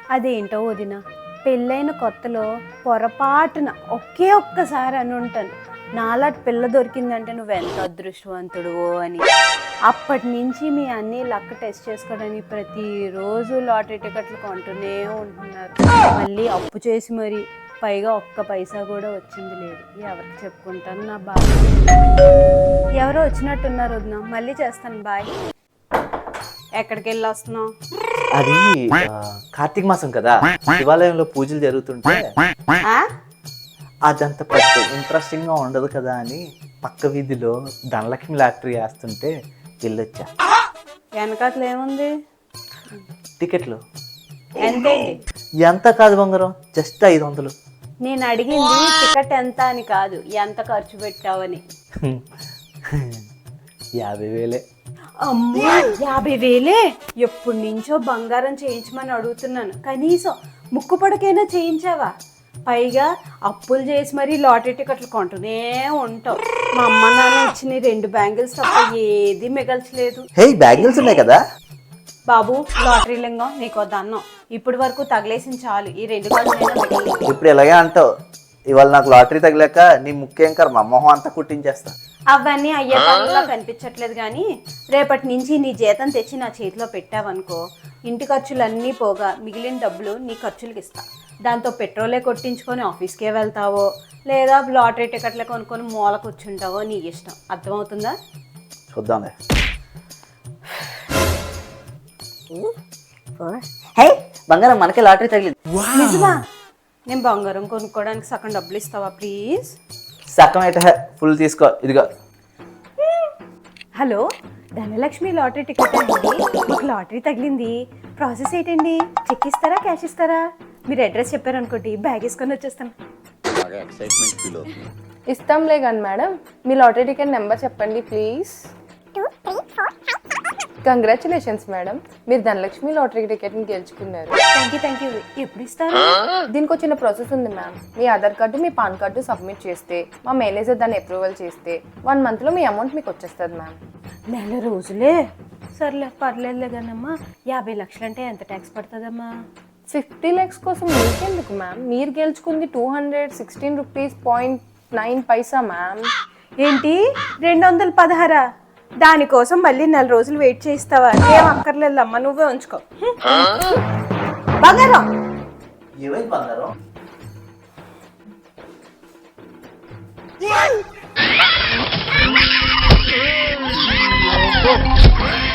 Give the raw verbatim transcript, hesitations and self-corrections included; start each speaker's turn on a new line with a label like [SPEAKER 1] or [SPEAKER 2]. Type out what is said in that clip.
[SPEAKER 1] అదేంటో వదిన, పెళ్ళైన కొత్తలో పొరపాటున ఒకే ఒక్కసారి అని ఉంటాను, నాలాంటి పిల్ల దొరికిందంటే నువ్వెంత అదృష్టవంతుడువో అని. అప్పటి నుంచి మీ అన్నీ లక్క టెస్ట్ చేసుకోవడానికి ప్రతిరోజు లాటరీ టికెట్లు కొంటూనే ఉంటున్నారు. మళ్ళీ అప్పు చేసి మరి, పైగా ఒక్క పైసా కూడా వచ్చింది లేదు. ఎవరికి చెప్పుకుంటాను నా బాధ. ఎవరో వచ్చినట్టున్నారు వదిన, మళ్ళీ చేస్తాను, బాయ్. ఎక్కడికి వెళ్ళి వస్తున్నావు?
[SPEAKER 2] అది కార్తీక మాసం కదా, శివాలయంలో పూజలు జరుగుతుంటే అదంత పెద్ద ఇంట్రెస్టింగ్ గా ఉండదు కదా అని పక్క వీధిలో ధనలక్ష్మి లాటరీ వేస్తుంటే వెళ్ళొచ్చా.
[SPEAKER 1] వెనకట్లు ఏముంది?
[SPEAKER 2] టికెట్లు
[SPEAKER 1] ఎంతే?
[SPEAKER 2] ఎంత కాదు బంగారం, జస్ట్ ఐదు వందలు.
[SPEAKER 1] నేను అడిగింది టికెట్ ఎంత అని కాదు, ఎంత ఖర్చు పెట్టావని.
[SPEAKER 2] యాభై వేలే.
[SPEAKER 1] అమ్మో, యాభై వేలే? ఎప్పటి నుంచో బంగారం చేయించమని అడుగుతున్నాను, కనీసం ముక్కు పడకైనా చేయించావా? పైగా అప్పులు చేసి మరీ లాటరీ టికెట్లు కొంటూనే ఉంటావు. మా అమ్మ నాన్న ఇచ్చిన రెండు బ్యాంగిల్స్ తప్ప ఏది మిగల్చలేదు.
[SPEAKER 2] హే, బ్యాంగిల్స్ ఉన్నాయి కదా
[SPEAKER 1] బాబు, లాటరీ లింగం నీకో దన్నం. ఇప్పటి వరకు తగిలేసిన చాలు, ఈ రెండు కాళ్ళు.
[SPEAKER 2] ఇప్పుడు ఇలాగే అంటావు, ఇవాళ నాకు లాటరీ తగిలాక నీ ముఖ్యం కర్మ మొహం అంతా కుట్టించేస్తా.
[SPEAKER 1] అవన్నీ అయ్యే పనులా కనిపించట్లేదు కానీ, రేపటి నుంచి నీ జీతం తెచ్చి నా చేతిలో పెట్టావనుకో, ఇంటి ఖర్చులన్నీ పోగా మిగిలిన డబ్బులు నీ ఖర్చులకి ఇస్తా. దాంతో పెట్రోలే కొట్టించుకొని ఆఫీస్కే వెళ్తావో, లేదా లాటరీ టికెట్లే కొనుక్కొని మూల కూర్చుంటావో నీ ఇష్టం. అర్థమవుతుందా?
[SPEAKER 2] చూద్దాంలే.
[SPEAKER 3] హే బంగారం, మనకే లాటరీ తగిలింది.
[SPEAKER 1] నిజమా? నేను బంగారం కొనుక్కోవడానికి సగం డబ్బులు ఇస్తావా ప్లీజ్?
[SPEAKER 2] సగం అయితే ఫుల్ తీసుకో, ఇదిగో.
[SPEAKER 1] హలో, ధనలక్ష్మి లాటరీ టికెట్ అండి, మీకు లాటరీ తగిలింది. ప్రాసెస్ ఏంటండి? చెక్ ఇస్తారా, క్యాష్ ఇస్తారా? మీరు అడ్రస్ చెప్పారనుకోండి, బ్యాగ్ వేసుకొని వచ్చేస్తాను.
[SPEAKER 4] ఇస్తాంలే కానీ మేడం, మీ లాటరీ టికెట్ నెంబర్ చెప్పండి ప్లీజ్. కంగ్రాచులేషన్స్ మేడం, మీరు ధనలక్ష్మి లాటరీ టికెట్ని గెలుచుకున్నారు.
[SPEAKER 1] Thank you thank you. ఎప్పుడు ఇస్తారు?
[SPEAKER 4] దీనికి వచ్చిన ప్రాసెస్ ఉంది మ్యామ్. మీ ఆధార్ కార్డు, మీ పాన్ కార్డు సబ్మిట్ చేస్తే, మా మేనేజర్ దాన్ని అప్రూవల్ చేస్తే వన్ మంత్లో మీ అమౌంట్ మీకు వచ్చేస్తుంది మ్యామ్.
[SPEAKER 1] నెల రోజులే? సర్లే, పర్లేదులే కానమ్మా. యాభై లక్షలు అంటే ఎంత ట్యాక్స్ పడుతుందమ్మా?
[SPEAKER 4] ఫిఫ్టీ ల్యాక్స్ కోసం మీకెందుకు మ్యామ్? మీరు గెలుచుకుంది two hundred sixteen rupees point nine paisa ma'am.
[SPEAKER 1] ఏంటి, రెండు వందల పదహారా? దానికోసం మళ్ళీ నెల రోజులు వెయిట్ చేయిస్తావా? ఏం అక్కర్లేదమ్మా, నువ్వే ఉంచుకో. బంగారం
[SPEAKER 2] ఏమైంది బంగారం?
[SPEAKER 5] Oh,